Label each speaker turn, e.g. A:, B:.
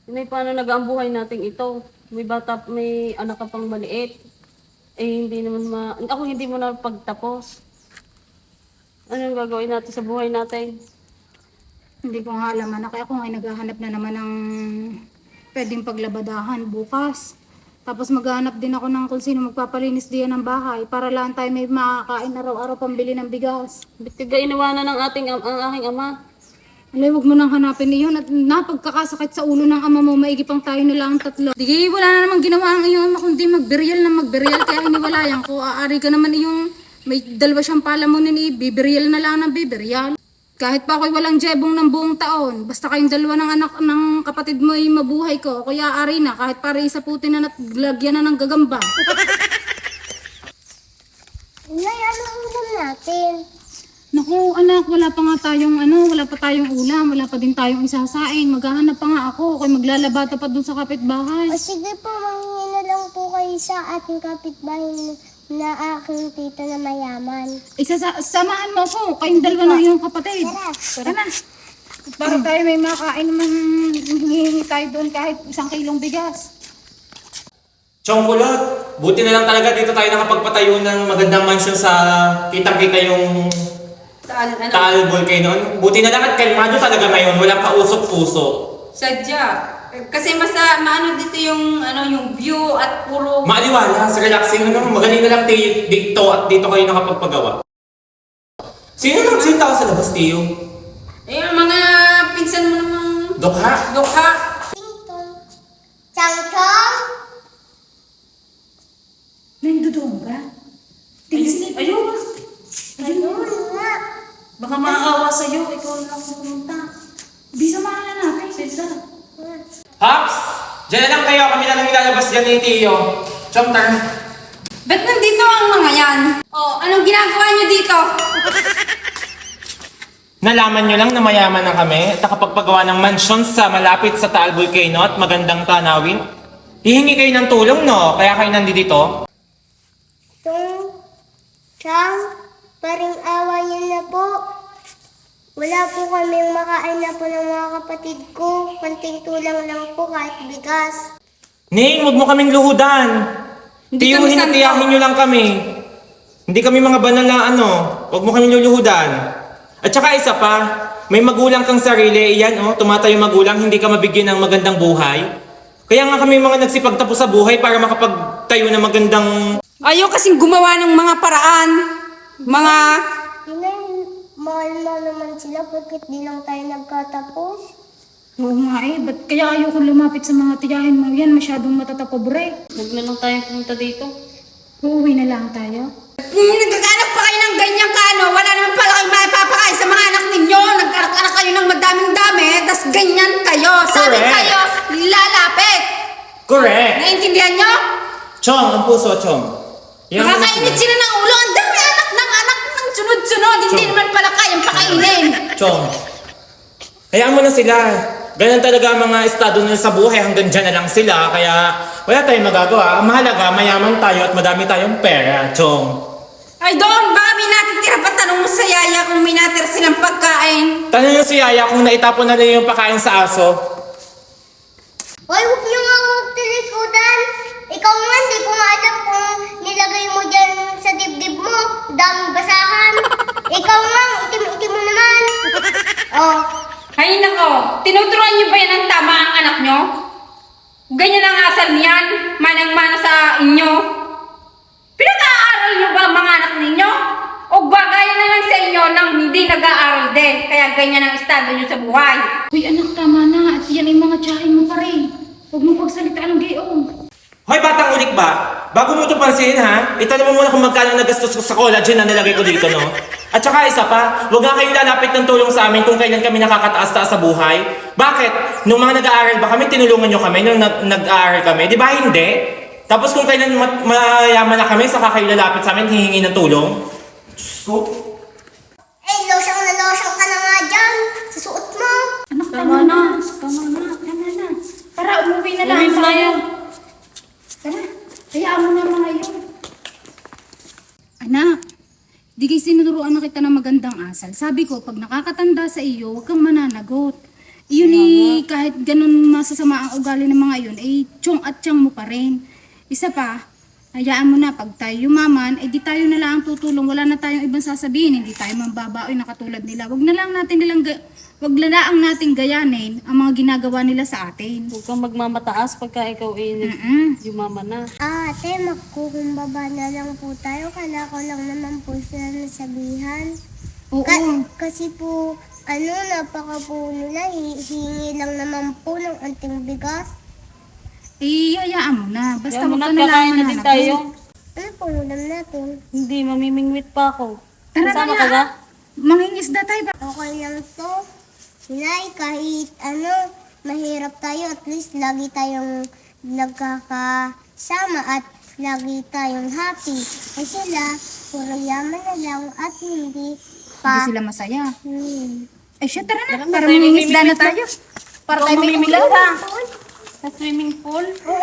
A: May paano nag-aambuhay natin ito? May bata, may anak ka pang maliit. Hindi naman ako hindi mo na pagtapos. Anong gagawin natin sa buhay natin?
B: Hindi ko nga alam anak, ako nga naghahanap na naman ng pwedeng paglabadahan bukas. Tapos maghahanap din ako ng kung sino magpapalinis diyan ng bahay para lang tayo may makakain araw-araw pambili ng bigas.
A: Ba't kaga iniwanan ng ang aking ama?
B: Alay, huwag mo nang hanapin iyon at napagkakasakit sa ulo ng ama mo, maigi pang tayo na lang tatlo. Di, wala na namang ginawa ang iyong ama kundi magberyal na magberyal kaya hiniwalayan ko. Aari ka naman iyong may dalawa siyang palamunin biberyal na lang ng biberyal. Kahit pa ako'y walang jebong ng buong taon, basta kayong dalawa ng anak ng kapatid mo ay mabuhay ko, kaya ari na, kahit para isa putin na naglagyan na ng gagamba.
C: Nay, anong ulam natin?
B: Naku anak, wala pa tayong ulam, wala pa din tayong isasaing, maghahanap pa nga ako, kaya maglalabata pa dun sa kapitbahay.
C: O sige po, manghingi na lang po kayo sa ating kapitbahay na aking tita na mayaman.
B: Samahan mo ako, kayong dalawa ng iyong kapatid.
C: Tara.
B: Tara na. Para tayo may makain naman, hihingi tayo doon kahit 1 kilong bigas.
D: Chong kulot, buti na lang talaga dito tayo nakapagpatayo ng magandang mansyon sa kitang-kita yung Taal Volcano. Buti na lang at kalmado talaga ngayon, walang kausok-puso.
E: Sadya. Kasi maano dito yung view at puro...
D: Maaliwalas, relaxing, magaling na lang dito at dito kayo nakapagpagawa. Sino tao sa labas, Tiyo?
E: Yung mga pinsan mo namang...
D: Dukha?
E: Dukha.
C: Ting-tong. Chang-chong?
B: Nandoon ka? Tingin
E: Ayun.
C: Ayun nga.
E: Baka maawa sa'yo. Ikaw lang pumunta.
B: Bisa mahala natin.
E: Sadya.
D: Hops! Diyan na lang kayo, kami na lang ilalabas dyan ni Tiyo. Chong, turn.
E: Ba't nandito ang mga yan? Oh, anong ginagawa niyo dito?
D: Nalaman nyo lang na mayaman na kami at nakapagpagawa ng mansyon sa malapit sa Taal Volcano at magandang tanawin. Hihingi kayo ng tulong, no? Kaya kayo nandito.
C: Tung, Chang, paring awa niyo na po. Wala po kaming makain na po ng mga kapatid ko. Konting tulang lang po kahit bigas.
D: Ning, huwag mo kaming luhudan.
E: Hindi
D: Tiyuhin
E: kami
D: at
E: santo.
D: tiyahin nyo lang kami. Hindi kami mga banal na huwag mo kaming luluhudan. At saka isa pa, may magulang kang sarili, iyan tumatayo magulang, hindi ka mabigyan ng magandang buhay. Kaya nga kami mga nagsipagtapos sa buhay para makapagtayo ng magandang...
E: Ayaw kasing gumawa ng mga paraan. Mga...
C: Inay, mahal mo naman sila bakit di lang tayo nagkatapos?
B: Oo nga ba't kaya ayoko lumapit sa mga tiyahin mo yan, masyadong matatapobre.
A: Huwag na lang tayong pumunta dito.
B: Uuwi na lang tayo.
E: Nagkakanak pa kayo ng ganyang wala naman pala kayong maipapakain sa mga anak ninyo. Nagkanak kayo ng madaming-dami, tas ganyan kayo. Sabi
D: Correct.
E: kayo, lalapit.
D: Correct!
E: Naiintindihan nyo?
D: Chong, ang puso, Chong. Yan ang
E: Nakakainit
D: mas-
E: sila ng ulo. Ang dami anak ng sunod-sunod. Hindi
D: Chong.
E: naman pala kayang pakainin.
D: Chong, hayaan mo na sila. Ganyan talaga ang mga estado nila sa buhay, hanggang dyan na lang sila. Kaya wala tayong magagawa. Ang mahalaga, mayaman tayo at madami tayong pera, Chong.
E: Ay doon, baka may natitira pa. Tanong mo sa yaya kung may natira silang pagkain.
D: Tanong nyo si Yaya kung naitapon na rin yung pagkain sa aso.
C: Hoy, huwag niyo nga magtilikudan. Ikaw nga, hindi ko nga alam kung nilagay mo dyan sa dibdib mo. Daming basahan. Ikaw nga, itim-itim mo naman. Oh,
E: Ay nako, tinuturuan niyo ba yan ng tama ang anak niyo? Ganyan ang asal niyan, manang-mana sa inyo. Pinag-aaral niyo ba ang mga anak ninyo? O bagay na lang sa inyo nang hindi nag-aaral din, kaya ganyan ang estado niyo sa buhay.
B: Uy anak, tama na. At yan ay mga tiyahin mo pa rin. Huwag mo pagsalitaan ng gayong.
D: Hoy, batang ulik ba? Bago mo ito pansinin, ha? Itanong mo muna kung magkano nagastos ko sa collagen na nilagay ko dito, no? At saka isa pa, huwag nga kayo lalapit ng tulong sa amin kung kailan kami nakakataas-taas sa buhay. Bakit? Nung mga nag-aaral ba kami, tinulungan nyo kami nung nag-aaral kami? Di ba hindi? Tapos kung kailan mayaman na kami, saka kayo lalapit sa amin, hihingi ng tulong? Diyos ko.
C: losyang na losyang ka na nga dyan. Sa suot mo.
B: Anak, tama na. Tama na. Tama na. Tara, umuwi na lang.
A: Umuwi na tayo.
B: Tara, hayaan mo na mga yun. Anak, di kayo sinuruan na kita ng magandang asal. Sabi ko, pag nakakatanda sa iyo, huwag kang mananagot. Yun kahit ganun masasama ang ugali ng mga yun, tiyong at tiyang mo pa rin. Isa pa, hayaan mo na, pag tayo yumaman, di tayo na lang ang tutulong, wala na tayong ibang sasabihin, hindi tayo mambabaoy na katulad nila. Wag na lang nating gayanin ang mga ginagawa nila sa atin.
A: Huwag kang magmamataas pagka ikaw yumama na.
C: Ate, magkukumbaba na lang po tayo. Kala ko lang naman po sila nasabihan.
B: Oo.
C: Kasi po, napaka po nila, hingi lang naman po ng anting bigas.
B: Hayaan mo na. Basta
A: Kaya
B: wag
A: muna
B: ka na lang
A: kakain na din
B: mananakit.
A: tayo.
C: Ano po ulam natin?
A: Hindi, mamimingwit pa ako.
B: Tara
A: Kasama
B: na
A: ka ba?
B: Mangingisda tayo ba?
C: Okay lang to. Nay, kahit mahirap tayo, at least lagi tayong nagkakasama at lagi tayong happy. Kasi sila, puro yaman na lang at hindi
B: Hindi
C: pa.
B: sila masaya. Ay siya, tara na.
A: Tara na,
B: Para
A: tayo
B: mangingisda na
A: mamimingwit,
B: tayo. Para tayo may
A: mamimingwit
B: ulam.
A: Sa swimming pool?